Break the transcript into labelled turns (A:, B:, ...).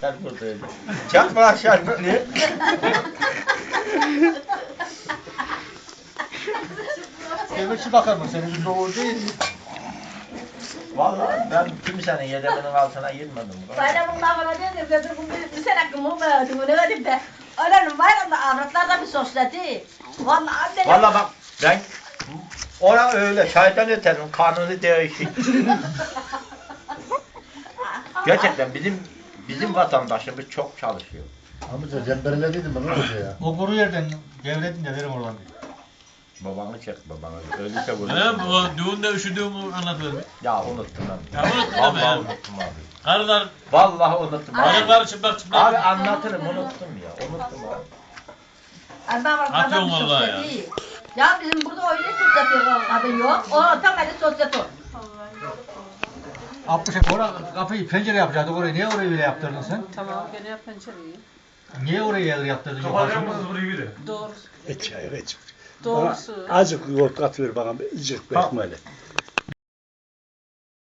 A: sen buradaydın. Çakma aşağı böyle.
B: Devletçi bakar mı? Senin bir doğru değil.
A: Vallahi ben kimsenin yedeminin altına girmedim.
C: Bayramın lafına dedim bir sene hakkımı verdim bunu dedim de. Öğlenin bayramda avratlarda bir sosyeti. Vallahi anne.
A: Vallahi bak ben ona öyle şeytan öterim kanuni değişik. Gerçekten bizim vatandaşımız çok çalışıyor.
D: Amca cemberlediydim ben orada ya.
B: O kuru yerden devredin de verim oradan.
A: Babanı çek babanı. Öyleyse bunu.
E: Anam o düğünde üşüdüğümü anlatıyorum.
A: Ya unuttum ben.
E: Ya unuttum ama
A: Vallahi
E: ya.
A: unuttum abi.
E: Karılar,
A: Vallahi unuttum abi.
E: karılar çıplak
A: Abi
E: çıplak.
A: anlatırım unuttum ya. Unuttum abi.
C: Anne avratlarda
E: Atıyorum
C: bir
E: vallahi ya.
C: sosyeti. Ya bizim burada öyle sosyeti kadın yok. O tam öyle sosyeti o.
B: 60'a oraya kapıyı pencere yapacaktık orayı. Niye orayı öyle yaptırdın sen?
F: Tamam gene yap pencereyi.
B: Niye orayı öyle yaptırdın yukarısını?
F: Doğrusu.
G: Hiç hayır hiç.
F: Doğrusu.
G: Azıcık yoğurt katılır bana, azıcık bir ekmeğiyle.